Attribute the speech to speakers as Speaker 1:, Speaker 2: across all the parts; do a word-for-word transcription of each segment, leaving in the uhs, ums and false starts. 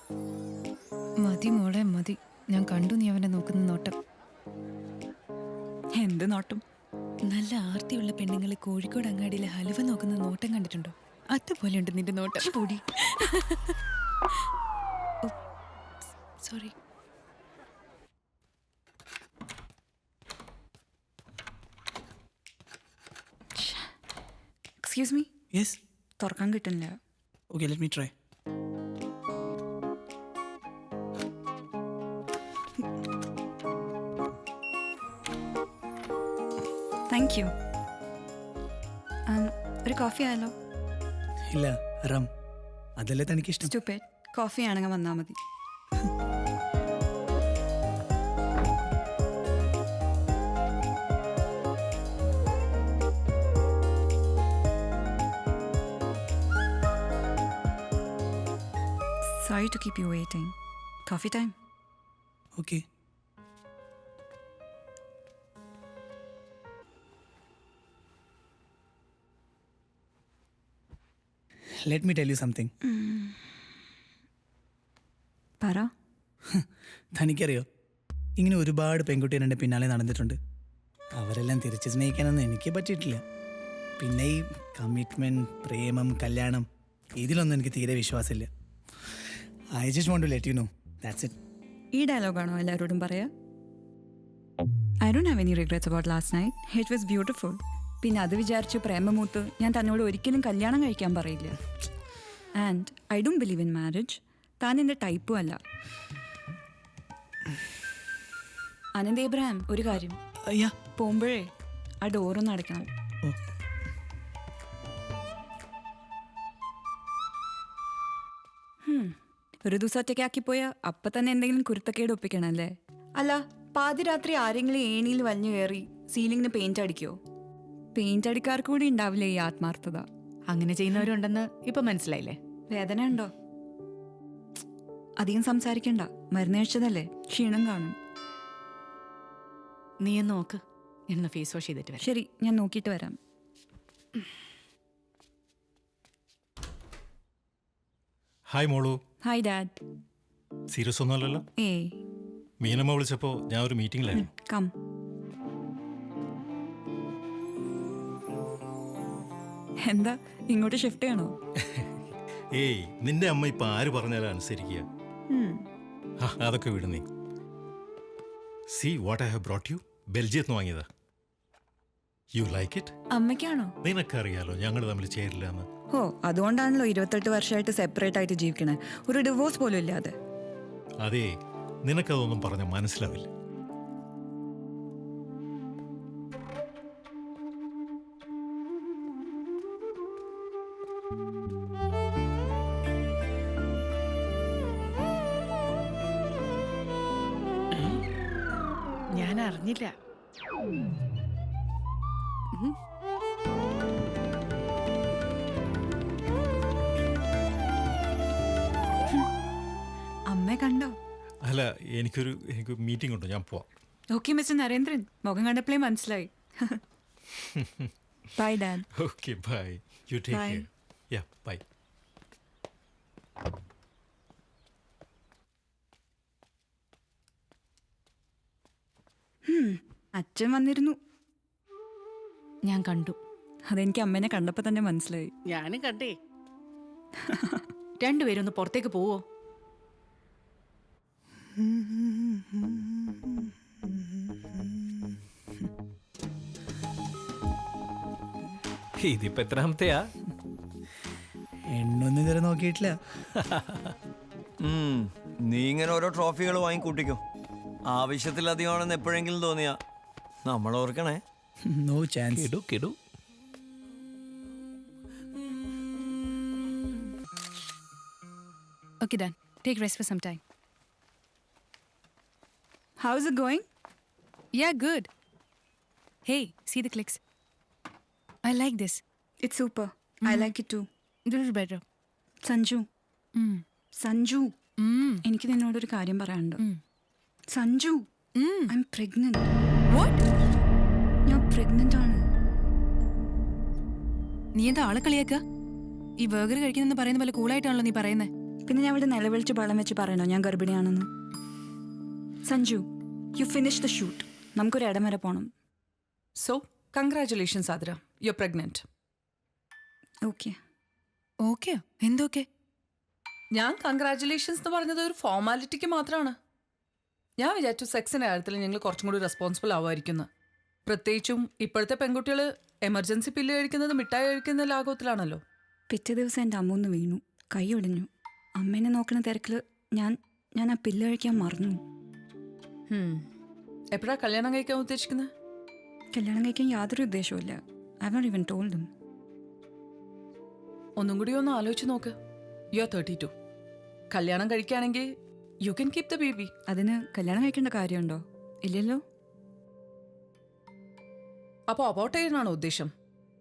Speaker 1: മതി മോളെ മതി. ഞാൻ കണ്ടു നീ അവനെ നോക്കുന്ന നോട്ടം.
Speaker 2: എന്ത് നോട്ടം?
Speaker 1: നല്ല ആർത്തിയുള്ള പെണ്ണുങ്ങൾ കോഴിക്കോട് അങ്ങാടിയിലെ ഹലുവ നോക്കുന്ന നോട്ടം കണ്ടിട്ടുണ്ടോ? അതുപോലെയുണ്ട് നിന്റെ നോട്ടം.
Speaker 2: പൊടി.
Speaker 1: സോറി.
Speaker 2: Excuse me.
Speaker 3: യെസ്.
Speaker 2: തുറക്കാൻ കിട്ടുന്നില്ല.
Speaker 3: Okay, let me try.
Speaker 2: Thank you. ഒരു കോഫി ആയാലോ?
Speaker 3: ഇല്ല, റം. അതല്ലേ തനിക്കിഷ്ടം.
Speaker 2: സ്റ്റുപ്പിഡ്. കോഫി ആണെങ്കിൽ വന്നാൽ മതി. Sorry to keep you waiting. Coffee time?
Speaker 3: Okay. Let me tell you something.
Speaker 2: പറ.
Speaker 3: തനിക്കറിയോ, ഇങ്ങനെ ഒരുപാട് പെൺകുട്ടികൾ എൻ്റെ പിന്നാലെ നടന്നിട്ടുണ്ട്. അവരെല്ലാം തിരിച്ച് സ്നേഹിക്കാനൊന്നും എനിക്ക് പറ്റിയിട്ടില്ല. പിന്നെ ഈ കമ്മിറ്റ്മെൻറ്റ്, പ്രേമം, കല്യാണം, ഇതിലൊന്നും എനിക്ക് തീരെ വിശ്വാസമില്ല. I just want to let you know, that's it.
Speaker 2: ഈ ഡയലോഗാണോ എല്ലാവരോടും പറയാ? I don't have any regrets about last night. It was beautiful. പിന്നെ അത് വിചാരിച്ച് പ്രേമമൂത്ത് ഞാൻ തന്നോട് ഒരിക്കലും കല്യാണം കഴിക്കാൻ പറയില്ല. And I don't believe in marriage. താൻ എൻ്റെ ടൈപ്പും അല്ല. അനന്ത് ഏബ്രഹാം, ഒരു കാര്യം.
Speaker 3: അയ്യാ,
Speaker 2: പോകുമ്പോഴേ ആ ഡോറൊന്ന് അടയ്ക്കണം.
Speaker 3: ഓ.
Speaker 2: ഒരു ദിവസം ഒറ്റയ്ക്കാക്കി പോയാൽ അപ്പം തന്നെ എന്തെങ്കിലും കുരുത്തക്കേട് ഒപ്പിക്കണല്ലേ? അല്ല, പാതിരാത്രി ആരെങ്കിലും ഏണിയിൽ വലിഞ്ഞു കയറി സീലിങ്ങിന് പെയിന്റ് അടിക്കോ? പെയിന്റ് അടിക്കാർക്ക് കൂടി ഉണ്ടാവില്ലേ ഈ ആത്മാർത്ഥത?
Speaker 4: അങ്ങനെ ചെയ്യുന്നവരുണ്ടെന്ന് ഇപ്പൊ മനസ്സിലായില്ലേ?
Speaker 2: വേദന ഉണ്ടോ? അധികം സംസാരിക്കണ്ട. മരുന്ന് കഴിച്ചതല്ലേ, ക്ഷീണം കാണും.
Speaker 4: നീ എന്ന് നോക്ക്, എന്ന് ഫേസ് വാഷ് ചെയ്തിട്ട് വരാം.
Speaker 2: ശരി, ഞാൻ നോക്കിയിട്ട് വരാം.
Speaker 5: ഹായ് മോളു.
Speaker 2: Hi dad.
Speaker 5: സീരിയസ് ഒന്നുമല്ലല്ലോ?
Speaker 2: ഏയ്,
Speaker 5: മീനമ്മ വിളിച്ചപ്പോൾ ഞാൻ ഒരു മീറ്റിംഗിലായിരുന്നു.
Speaker 2: കം. എന്താ ഇങ്ങോട്ട് ഷിഫ്റ്റ് ചെയ്യണോ?
Speaker 5: ഏയ്, നിന്റെ അമ്മ ഇപ്പൊ ആര് പറഞ്ഞാലും അനുസരിക്കുക. ആ, അതൊക്കെ വിട് നീ. See what I have brought you. ബെൽജിയത്ത് നിന്ന് വാങ്ങിയതാ. You like it?
Speaker 2: അമ്മയ്ക്കാണോ?
Speaker 5: നിനക്കറിയാലോ ഞങ്ങൾ തമ്മിൽ ചേരില്ല എന്ന്.
Speaker 2: ഓ, അതുകൊണ്ടാണല്ലോ ഇരുപത്തെട്ട് വർഷമായിട്ട് സെപ്പറേറ്റ് ആയിട്ട് ജീവിക്കണേ. ഒരു ഡിവോഴ്സ് പോലും ഇല്ലാതെ.
Speaker 5: അതേ, നിനക്കതൊന്നും പറഞ്ഞ മനസ്സിലാവില്ല.
Speaker 4: ഞാൻ അറിഞ്ഞില്ല.
Speaker 2: അമ്മയെ കണ്ടോ?
Speaker 5: അല്ല, എനിക്കൊരു എനിക്ക് മീറ്റിംഗ് ഉണ്ട്, ഞാൻ പോവാം.
Speaker 2: ഓക്കെ മിസ്റ്റർ നരേന്ദ്രൻ, മുഖം കണ്ടപ്പോഴേ മനസ്സിലായി. Bye dad.
Speaker 5: Okay, bye. You take
Speaker 2: Bye.
Speaker 5: Care. Yeah, bye.
Speaker 2: അച്ഛൻ വന്നിരുന്നു.
Speaker 4: ഞാൻ കണ്ടു.
Speaker 2: അതെനിക്ക് അമ്മേനെ കണ്ടപ്പോൾ തന്നെ മനസ്സിലായി.
Speaker 4: ഞാനും കണ്ടേ. രണ്ടുപേരും ഒന്ന് പുറത്തേക്ക് പോവോ?
Speaker 6: ഇതിപ്പോ എത്രാമത്തെയാ?
Speaker 3: എണ്ണൊന്നും ഇതുവരെ നോക്കിയിട്ടില്ല.
Speaker 7: നീ ഇങ്ങനെ ഓരോ ട്രോഫികൾ വാങ്ങിക്കൂട്ടിക്കോ. ആവശ്യത്തിലധികമാണെന്ന് എപ്പോഴെങ്കിലും തോന്നിയാ നമ്മൾ ഓർക്കണേ.
Speaker 3: No chance.
Speaker 6: കിടു കിടു.
Speaker 1: Okay, done. Take rest for some time.
Speaker 2: How is it going?
Speaker 1: Yeah, good. Hey, see the clicks. I like this.
Speaker 2: It's super. I like it too.
Speaker 1: Little better.
Speaker 2: Sanju,
Speaker 1: Mm.
Speaker 2: Sanju,
Speaker 1: Mm.
Speaker 2: എനിക്ക് നിന്നോടൊരു കാര്യം പറയാനുണ്ട്.
Speaker 1: Mm.
Speaker 2: Sanju,
Speaker 1: Mm.
Speaker 2: I am pregnant.
Speaker 1: What?
Speaker 2: ഞാൻ pregnant ആണ്.
Speaker 1: നീ എന്താ ആളെ കളിയാക്കുക? ഈ ബർഗർ കഴിക്കുന്നെന്ന് പറയുന്ന പോലെ കൂളായിട്ടാണല്ലോ നീ പറയുന്നത്.
Speaker 2: പിന്നെ ഞാൻ ഇവിടെ നിലവിളിച്ച് ബളം വെച്ച് പറയണോ ഞാൻ ഗർഭിണിയാണെന്ന്? Sanju, you finish the shoot. നമുക്കൊരു ഇടം വരെ പോകണം.
Speaker 6: So, congratulations, Adra. You're pregnant.
Speaker 2: Okay.
Speaker 1: ഓക്കെയോ? എന്തൊക്കെ?
Speaker 6: ഞാൻ കൺഗ്രാറ്റുലേഷൻസ് എന്ന് പറഞ്ഞത് ഒരു ഫോർമാലിറ്റിക്ക് മാത്രമാണ്. ഞാൻ വിചാരിച്ചു സെക്സിൻ്റെ കാര്യത്തിൽ ഞങ്ങൾ കുറച്ചും കൂടി റെസ്പോൺസിബിൾ ആവുമായിരിക്കുന്നു. പ്രത്യേകിച്ചും ഇപ്പോഴത്തെ പെൺകുട്ടികൾ എമർജൻസി പില്ല് കഴിക്കുന്നത് മിഠായി കഴിക്കുന്ന ലാഘവത്തിലാണല്ലോ.
Speaker 2: പിറ്റേ ദിവസം എൻ്റെ അമ്മ ഒന്ന് വീണു, കൈ ഒടിഞ്ഞു. അമ്മേനെ നോക്കുന്ന തിരക്കിൽ ഞാൻ ഞാൻ ആ പില്ല് കഴിക്കാൻ മറന്നു.
Speaker 6: എപ്പോഴാണ് കല്യാണം കഴിക്കാൻ ഉദ്ദേശിക്കുന്നത്?
Speaker 2: കല്യാണം കഴിക്കാൻ യാതൊരു ഉദ്ദേശവുമില്ല. I have not even told him.
Speaker 6: ഒന്നും കൂടി ഒന്ന് ആലോചിച്ച് നോക്ക്. You are thirty two. കല്യാണം കഴിക്കുകയാണെങ്കിൽ you can keep the baby.
Speaker 2: അതിന് കല്യാണം കഴിക്കേണ്ട കാര്യമുണ്ടോ? ഇല്ലല്ലോ.
Speaker 6: അപ്പോൾ അബോട്ട് ചെയ്യാനാണോ ഉദ്ദേശം?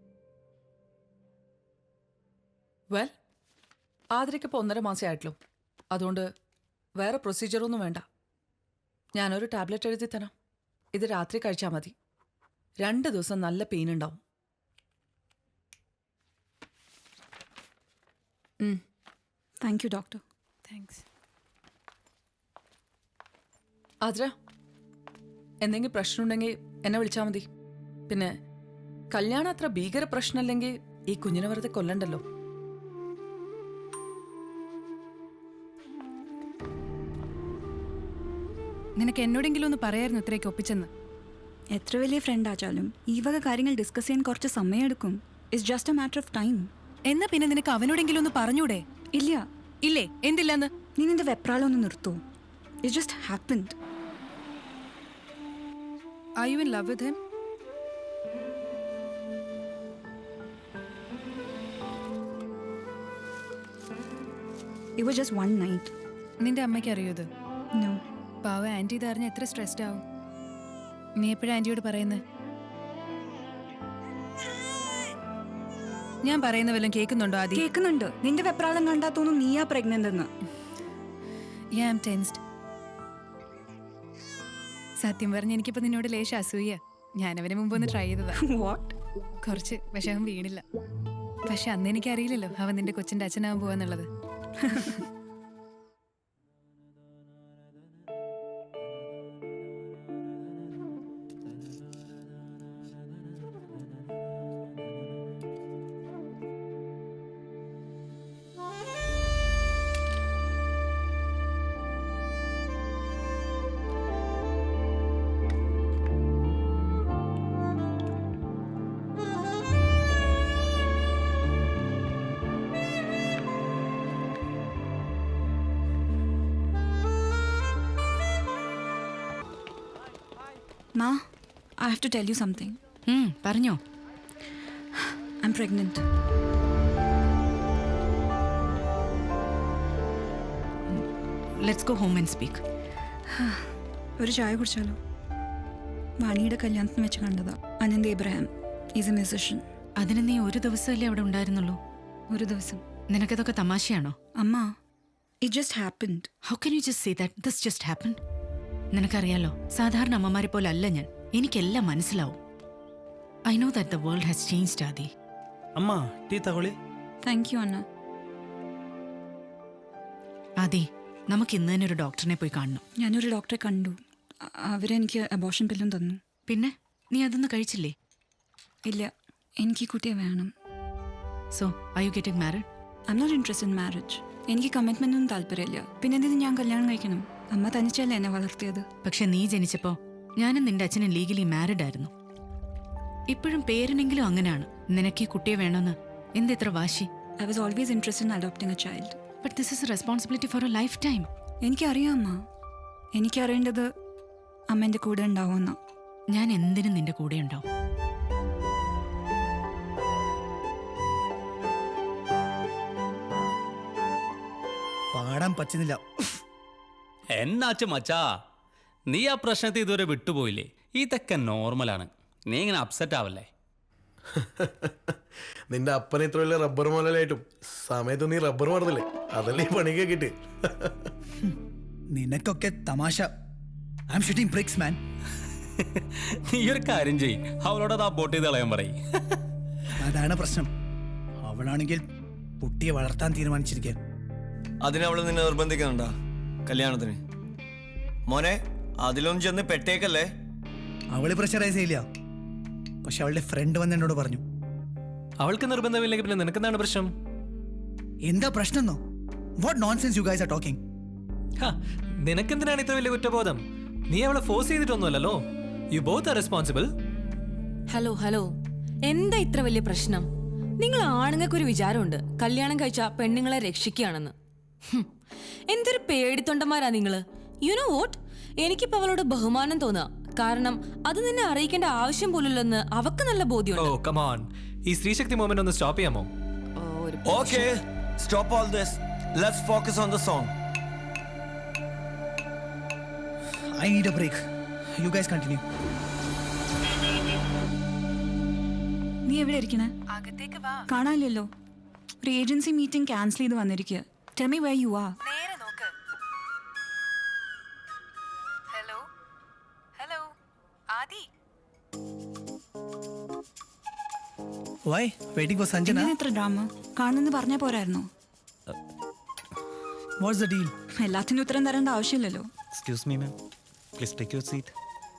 Speaker 6: വെൽ, ആതിരയ്ക്കിപ്പോൾ ഒന്നര മാസേ ആയിട്ടുള്ളൂ. അതുകൊണ്ട് വേറെ പ്രൊസീജിയറൊന്നും വേണ്ട. ഞാനൊരു ടാബ്ലറ്റ് എഴുതി തരാം. ഇത് രാത്രി കഴിച്ചാൽ മതി. രണ്ട് ദിവസം നല്ല പെയിൻ ഉണ്ടാവും.
Speaker 2: Thank you doctor.
Speaker 1: Thanks.
Speaker 6: Athira, എന്തെങ്കിലും പ്രശ്നമുണ്ടെങ്കിൽ എന്നെ വിളിച്ചാൽ മതി. പിന്നെ കല്യാണം അത്ര ഭീകര പ്രശ്നമല്ലെങ്കിൽ ഈ കുഞ്ഞിനെ വെറുതെ കൊല്ലണ്ടല്ലോ.
Speaker 1: നിനക്ക് എന്നോടെങ്കിലും ഒന്ന് പറയായിരുന്നു ഇത്രയൊക്കെ ഒപ്പിച്ചെന്ന്.
Speaker 2: എത്ര വലിയ ഫ്രണ്ട് ആച്ചാലും ഈ വക കാര്യങ്ങൾ ഡിസ്കസ് ചെയ്യാൻ കുറച്ച് സമയമെടുക്കും. It's just a matter of time.
Speaker 1: എന്നാ പിന്നെ നിനക്ക് അവനോടെങ്കിലും ഒന്ന് പറഞ്ഞൂടെ?
Speaker 2: ഇല്ല.
Speaker 1: ഇല്ലേ? എന്തില്ലെന്ന്?
Speaker 2: നീ നിന്റെ വെപ്രാളം ഒന്ന് നിർത്തൂ. It just happened.
Speaker 1: Are you in love with him?
Speaker 2: It was just one night.
Speaker 1: നിന്റെ അമ്മയ്ക്ക് അറിയോ ഇത്?
Speaker 2: No.
Speaker 1: പാവ ആന്റി ഇതറിഞ്ഞ എത്ര സ്ട്രെസ്ഡ് ആവും. നീ എപ്പോഴാ ആന്റിയോട് പറയുന്നത്? ഞാൻ പറയുന്ന വല്ലതും കേൾക്കുന്നുണ്ടോ ആദി?
Speaker 2: കേൾക്കുന്നുണ്ട്. നിന്റെ വെപ്രാളം കണ്ടാ തോന്നും നീയാ പ്രഗ്നന്റ് എന്ന്.
Speaker 1: Yeah, I'm tensed. സത്യം പറഞ്ഞ എനിക്കിപ്പോ നിന്നോട് ലേശ അസൂയ. ഞാനവന് മുമ്പ് ഒന്ന് ട്രൈ ചെയ്തതാ.
Speaker 2: വാട്ട്?
Speaker 1: കുറച്ച്. പക്ഷെ അവൻ വീണില്ല. പക്ഷെ അന്ന് എനിക്കറിയില്ലല്ലോ അവൻ നിന്റെ കൊച്ചിന്റെ അച്ഛനാവാൻ പോവാന്നുള്ളത്.
Speaker 2: Ma, I have to tell you something.
Speaker 4: പറഞ്ഞോ.
Speaker 2: I'm pregnant.
Speaker 4: Let's go home and speak.
Speaker 2: ഒരു ചായ കുടിച്ചാലോ? വാണിയുടെ കല്യാണത്തിന് വെച്ച് കണ്ടതാ. Anant Ibrahim is a musician.
Speaker 4: അതിന് നീ ഒരു ദിവസമല്ലേ അവിടെ ഉണ്ടായിരുന്നുള്ളൂ?
Speaker 2: ഒരു ദിവസം.
Speaker 4: നിനക്കതൊക്കെ തമാശയാണോ?
Speaker 2: അമ്മ, it just happened.
Speaker 4: How can you just say that this just happen? നിനക്കറിയാലോ, സാധാരണ അമ്മമാരെ പോലെ അല്ല ഞാൻ. എനിക്കെല്ലാം മനസ്സിലാവും. I know that the world has changed Adi.
Speaker 3: അമ്മ ടീ തകൊളി.
Speaker 2: Thank you Anna.
Speaker 4: ആദി, നമുക്ക് ഇന്ന് തന്നെ ഒരു ഡോക്ടറിനെ പോയി കാണണം.
Speaker 2: ഞാനൊരു ഡോക്ടറെ കണ്ടു. അ- അവരെനിക്ക് അബോർഷൻ പില്ലും തന്നു.
Speaker 4: പിന്നെ നീ അതൊന്നും കഴിച്ചില്ലേ?
Speaker 2: ഇല്ല, എനിക്ക് ഈ കുട്ടിയെ വേണം.
Speaker 4: So are you getting married?
Speaker 2: I am not interested in marriage. എനിക്ക് കമ്മിറ്റ്മെന്റ് ഒന്നും താല്പര്യമില്ല. പിന്നെ എന്തിനു ഞാൻ കല്യാണം കഴിക്കണം? അമ്മ തനിച്ചല്ലേ എന്നെ വളർത്തിയത്.
Speaker 4: പക്ഷെ നീ ജനിച്ചപ്പോ ഞാനും നിന്റെ അച്ഛനും ലീഗലി മാരിഡ് ആയിരുന്നു. ഇപ്പോഴും പേരിനെങ്കിലും അങ്ങനെയാണ്. നിനക്ക് ഈ കുട്ടിയെ വേണമെന്ന് എന്തെത്ര വാശി?
Speaker 2: I was always interested in adopting a child.
Speaker 4: But this is a responsibility for a lifetime.
Speaker 2: എനിക്കറിയാം അമ്മ. എനിക്കറിയേണ്ടത് അമ്മ എൻ്റെ കൂടെ ഉണ്ടാവുമെന്നാ.
Speaker 4: ഞാൻ എന്തിനും നിന്റെ കൂടെ ഉണ്ടാവും.
Speaker 3: പാടാൻ പറ്റുന്നില്ല.
Speaker 8: എന്നാച്ചു മച്ചാ, നീ ആ പ്രശ്നത്തെ ഇതുവരെ വിട്ടുപോയില്ലേ? ഇതൊക്കെ നോർമലാണ്. നീ ഇങ്ങനെ അപ്സെറ്റ് ആവല്ലേ.
Speaker 9: നിന്റെ അപ്പനെ ഇത്ര വലിയ റബ്ബർ മോലായിട്ടും സമയത്ത് നീ റബ്ബർ മറന്നില്ലേ? അതല്ലേ ഈ പണിക്ക് കിട്ടി.
Speaker 3: നിനക്കൊക്കെ തമാശ. I am shooting bricks man.
Speaker 8: നീ ഒരു കാര്യം ചെയ്യ്, അവളോട് അത് അബോട്ട് ചെയ്ത് കളയാൻ പറയും.
Speaker 3: അതാണ് പ്രശ്നം. അവളാണെങ്കിൽ കുട്ടിയെ വളർത്താൻ തീരുമാനിച്ചിരിക്കുക.
Speaker 7: അതിനവള് നിന്നെ നിർബന്ധിക്കുന്നുണ്ടാ കല്യാണത്തിന്? മോനെ അതിലൊന്നും ചെന്ന് പെട്ടേക്കല്ലേ.
Speaker 3: അവള് പ്രഷറൈസ് ചെയ്യില്ല, പക്ഷെ അവളുടെ ഫ്രണ്ട് വന്ന് എന്നോട് പറഞ്ഞു.
Speaker 10: അവൾക്ക് നിർബന്ധമില്ലെങ്കിൽ പിന്നെ നിനക്കെന്താണ് പ്രശ്നം?
Speaker 3: എന്താ പ്രശ്നം എന്നോ? What nonsense you guys are talking?
Speaker 10: നിനക്കെന്തിനാണ് ഇത്ര വലിയ കുറ്റബോധം? നീ അവളെ ഫോഴ്സ് ചെയ്തിട്ടൊന്നുമല്ലല്ലോ. You both are responsible.
Speaker 11: Hello hello, എന്താ ഇത്ര വലിയ പ്രശ്നം? നിങ്ങൾ ആണുങ്ങൾക്കൊരു വിചാരമുണ്ട് കല്യാണം കഴിച്ച പെണ്ണുങ്ങളെ രക്ഷിക്കുകയാണെന്ന്. ഹും, എന്തൊരു പേടിത്തൊണ്ടന്മാരാ നിങ്ങള്. യു നോ വോട്ട്, എനിക്കിപ്പോ അവളോട് ബഹുമാനം തോന്നുക. കാരണം അത് നിന്നെ അറിയിക്കേണ്ട ആവശ്യം പോലുള്ളെന്ന് അവക്ക് നല്ല ബോധ്യമുണ്ട്.
Speaker 10: ഓ കം ഓൺ, ഈ സ്ത്രീശക്തി മൂവ്മെന്റ് ഒന്ന് സ്റ്റോപ്പ് ചെയ്യാമോ?
Speaker 7: Okay, stop all this. Let's focus on the song.
Speaker 3: I need a break. You guys continue.
Speaker 2: നീ എവിടെ ഇരിക്കണേ? കാണാനില്ലല്ലോ. ഒരു ഏജൻസി മീറ്റിംഗ് ക്യാൻസൽ ചെയ്ത് വന്നിരിക്കുക. Tell me where you are.
Speaker 1: Hello hello Adi.
Speaker 3: Why? Waiting for Sanjana?
Speaker 2: എന്തിനാ ഇത്ര ഡ്രാമ? കാണുന്നെന്ന് പറഞ്ഞാൽ പോരായിരുന്നോ?
Speaker 3: What's the deal?
Speaker 2: എല്ലാത്തിനും ഉത്തരം തരേണ്ട ആവശ്യമില്ലല്ലോ.
Speaker 12: Excuse me, ma'am. Please take your seat.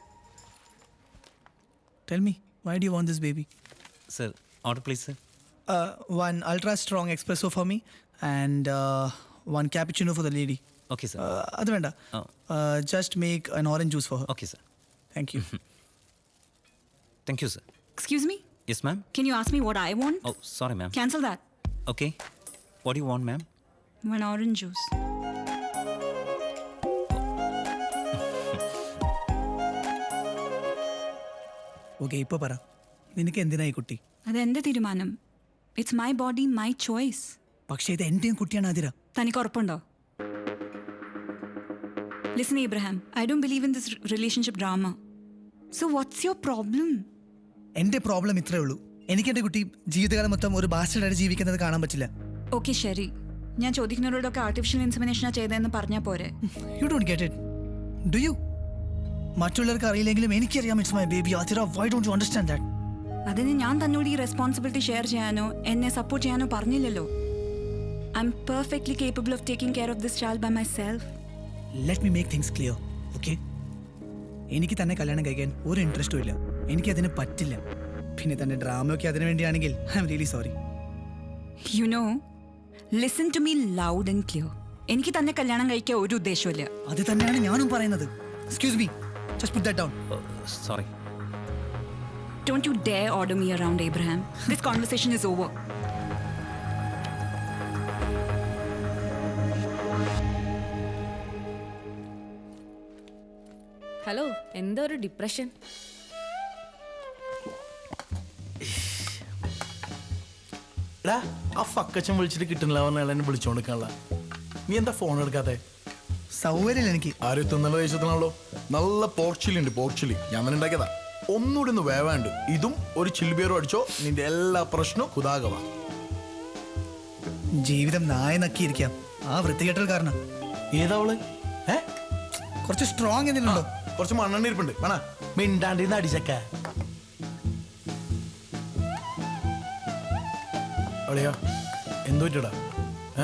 Speaker 3: Tell me, why do you want this baby?
Speaker 12: Sir, order please, sir.
Speaker 3: Uh, one ultra strong espresso for me and uh, one cappuccino for the lady.
Speaker 12: Okay, sir.
Speaker 3: Uh, adu venda.
Speaker 12: Oh.
Speaker 3: Uh, just make an orange juice for her.
Speaker 12: Okay, sir.
Speaker 3: Thank you.
Speaker 12: Thank you, sir.
Speaker 2: Excuse me?
Speaker 12: Yes, ma'am.
Speaker 2: Can you ask me what I want?
Speaker 12: Oh, sorry, ma'am.
Speaker 2: Cancel that.
Speaker 12: Okay. What do you want, ma'am?
Speaker 2: One orange juice.
Speaker 3: Okay, ഇപ്പോൾ പറ, നിനക്ക് എന്തിനായി കുട്ടി?
Speaker 2: അതെന്റെ തീരുമാനം. It's my body, my choice.
Speaker 3: പക്ഷേ ഇത് എൻ്റെയും കുട്ടിയാണ് ആതിര.
Speaker 2: തനിക്ക് ഉറപ്പുണ്ടോ? Listen Ibrahim, I don't believe in this relationship drama. So what's your problem?
Speaker 3: എൻ്റെ പ്രോബ്ലം ഇത്രേ ഉള്ളൂ. എനിക്ക് എൻ്റെ കുട്ടി ജീവിതകാലം മൊത്തം ഒരു ബാസ്റ്റർഡായിട്ട് ജീവിക്കുന്നത് കാണാൻ പറ്റില്ല.
Speaker 2: ഓക്കെ ശരി, ഞാൻ ചോദിക്കുന്നവരോടൊക്കെ ആർട്ടിഫിഷ്യൽ ഇൻസെമിനേഷനാണ് ചെയ്തതെന്ന് പറഞ്ഞാൽ പോരെ?
Speaker 3: You don't get it, do you? മറ്റുള്ളവർക്ക് അറിയില്ലെങ്കിലും എനിക്കറിയാം it's my baby. Athira, why don't you understand that?
Speaker 2: അതിന് ഞാൻ തന്നോട് ഈ റെസ്പോൺസിബിലിറ്റി ഷെയർ ചെയ്യാനോ എന്നെ സപ്പോർട്ട് ചെയ്യാനോ പറഞ്ഞില്ലല്ലോ. I am perfectly capable of taking care of this child by myself.
Speaker 3: Let me make things clear, okay? എനിക്ക് തന്നെ കല്യാണം കഴിക്കാൻ ഒരു ഇൻട്രസ്റ്റും ഇല്ല. എനിക്കതിന് പറ്റില്ല. പിന്നെ തന്നെ ഡ്രാമയൊക്കെ അതിനു വേണ്ടിയാണെങ്കിൽ I am really sorry.
Speaker 2: You know, listen to me loud and clear. എനിക്ക് തന്നെ കല്യാണം കഴിക്കാൻ ഒരു ഉദ്ദേശമില്ല.
Speaker 3: അത് തന്നെയാണ് ഞാനും പറയുന്നത്. Excuse me, just put that down.
Speaker 12: Oh, sorry.
Speaker 2: Don't you dare order me around, Abraham. This conversation is over.
Speaker 11: ഹലോ, എന്താ ഒരു ഡിപ്രഷൻ?
Speaker 9: എടാ, ആ ഫക്കച്ചൻ വിളിച്ചിട്ട് കിട്ടുന്നില്ല പറഞ്ഞാൽ എന്നെ വിളിച്ചോണ്ടിരിക്കാനുള്ള. നീ എന്താ ഫോൺ എടുക്കാത്തെ?
Speaker 3: സൗകര്യമില്ല എനിക്ക്.
Speaker 9: ആരും തിന്നല ദേശത്തിനാണല്ലോ. നല്ല പോർച്ചിലി ഉണ്ട്, പോർച്ചിലി ഞാൻ തന്നെ ഉണ്ടാക്കിയതാ. ഒന്നുകൂടി ഒന്ന് വേവാണ്ട് ഇതും ഒരു ചില്ലുബിയറും അടിച്ചോ, നിന്റെ എല്ലാ പ്രശ്നവും കുതാകവ.
Speaker 3: ജീവിതം നായ നക്കിയിരിക്കാം ആ വൃത്തികെട്ടൽ കാരണം.
Speaker 9: ഏതാവള്? ഏ
Speaker 3: കുറച്ച് സ്ട്രോങ് എന്തെങ്കിലുണ്ടോ?
Speaker 9: കുറച്ച് മണ്ണെണ്ണ ഇരിപ്പുണ്ട്, വേണ മിണ്ടാണ്ടിന്ന് അടിച്ചക്ക. അളിയാ, എന്തു പറ്റടാ? ഏ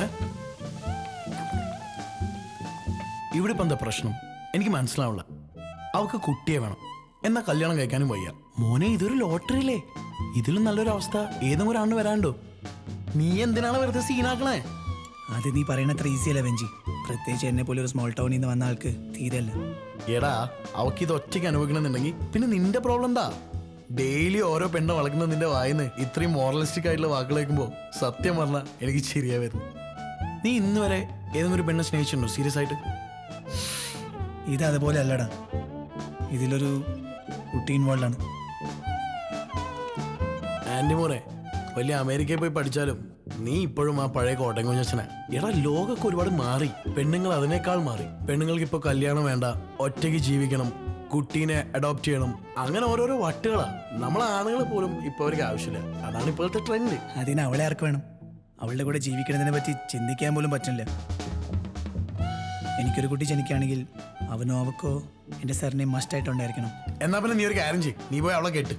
Speaker 9: ഇവിടെ ഇപ്പം എന്താ പ്രശ്നം? എനിക്ക് മനസ്സിലാവില്ല. അവൾക്ക് കുട്ടിയെ വേണം, എന്നാ കല്യാണം കഴിക്കാനും വയ്യ. മോനെ, ഇതൊരു ലോട്ടറി അല്ലേ? ഇതിലും നല്ലൊരു അവസ്ഥ ഏതും ഒരാണ്ട് വരാണ്ടോ? നീ എന്തിനാണ് വെറുതെ സീനാക്കണേ?
Speaker 3: അത് നീ പറയണത്ര ഈസി അല്ല വെഞ്ചി. പ്രത്യേകിച്ച് എന്നെ പോലെ ഒരു സ്മോൾ ടൗണിൽ നിന്ന് വന്ന ആൾക്ക് തീരല്ല.
Speaker 9: എടാ, അവൾക്ക് ഇത് ഒറ്റയ്ക്ക് അനുഭവിക്കണമെന്നുണ്ടെങ്കിൽ പിന്നെ നിന്റെ പ്രോബ്ലം എന്താ? ഡെയിലി ഓരോ പെണ്ണ വളക്കുന്ന നിന്റെ വായിന്ന് ഇത്രയും മോറലിസ്റ്റിക് ആയിട്ടുള്ള വാക്കുകൾ കേൾക്കുമ്പോൾ സത്യം പറഞ്ഞാൽ എനിക്ക് ശരിയാ വരുന്നു. നീ ഇന്ന് വരെ ഏതെങ്കിലും ഒരു പെണ്ണെ സ്നേഹിച്ചിട്ടുണ്ടോ സീരിയസ് ആയിട്ട്?
Speaker 3: ഇത് അതുപോലെ അല്ലടാ, ഇതിലൊരു കുട്ടി ഇൻവോൾവ് ആണ്.
Speaker 9: ആൻറ്റി മോനെ, വലിയ അമേരിക്കയിൽ പോയി പഠിച്ചാലും നീ ഇപ്പോഴും ആ പഴയ കോട്ടയം കുഞ്ഞച്ചനാ. എടാ, ലോകമൊക്കെ ഒരുപാട് മാറി, പെണ്ണുങ്ങൾ അതിനേക്കാൾ മാറി. പെണ്ണുങ്ങൾക്ക് ഇപ്പോൾ കല്യാണം വേണ്ട, ഒറ്റയ്ക്ക് ജീവിക്കണം, കുട്ടീനെ അഡോപ്റ്റ് ചെയ്യണം, അങ്ങനെ ഓരോരോ വട്ടുകളാ. നമ്മളെ ആണുങ്ങൾ പോലും ഇപ്പോൾ അവർക്ക് ആവശ്യമില്ല. അതാണ് ഇപ്പോഴത്തെ ട്രെൻഡ്.
Speaker 3: അതിന് അവളെ ആർക്ക് വേണം? അവളുടെ കൂടെ ജീവിക്കുന്നതിനെ പറ്റി ചിന്തിക്കാൻ പോലും പറ്റില്ല. എനിക്കൊരു കുട്ടി ജനിക്കുകയാണെങ്കിൽ അവനോ അവക്കോ എൻ്റെ സാറിനെ മസ്റ്റായിട്ടുണ്ടായിരിക്കണം.
Speaker 9: എന്നാ പിന്നെ നീ ഒരു കാര്യം ചെയ്യും, നീ പോയി അവളെ കേട്ട്.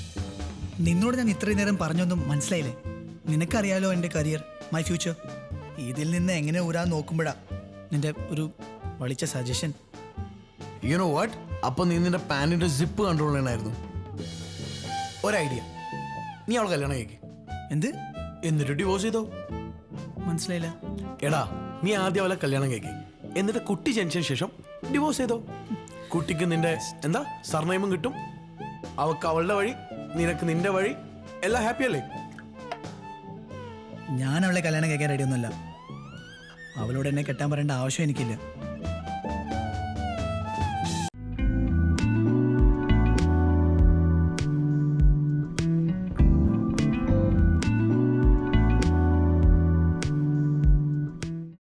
Speaker 3: നിന്നോട് ഞാൻ ഇത്രയും നേരം പറഞ്ഞൊന്നും മനസ്സിലായില്ലേ? നിനക്കറിയാലോ എൻ്റെ കരിയർ, മൈ ഫ്യൂച്ചർ. ഇതിൽ നിന്ന് എങ്ങനെ ഊരാൻ നോക്കുമ്പോഴാ നിന്റെ ഒരു വളിച്ച സജഷൻ.
Speaker 9: യു നോ വാട്ട്, അപ്പൊ നീ നിന്റെ പാന്റിന്റെ സിപ്പ് കൺട്രോൾ ചെയ്യണമായിരുന്നു. ഒരു ഐഡിയ, നീ അവളെ കല്യാണം കഴിക്ക്.
Speaker 3: എന്ത്?
Speaker 9: എന്നിട്ട് ഡിവോഴ്സ് ചെയ്തോ.
Speaker 3: മനസ്സിലായില്ല.
Speaker 9: എടാ, നീ ആദ്യം അവളെ കല്യാണം കഴിക്ക്, എന്നിട്ട് കുട്ടി ജനിച്ചതിന് ശേഷം ഡിവോഴ്സ് ചെയ്തോ. കുട്ടിക്ക് നിന്റെ എന്താ സർനെയിമും കിട്ടും, അവൾക്ക് അവളുടെ വഴി, നിനക്ക് നിന്റെ വഴി, എല്ലാം ഹാപ്പി അല്ലേ?
Speaker 3: ഞാൻ അവളെ കല്യാണം കഴിക്കാൻ റെഡിയൊന്നുമല്ല. അവളോട് എന്നെ കെട്ടാൻ പറയേണ്ട ആവശ്യം എനിക്കില്ല.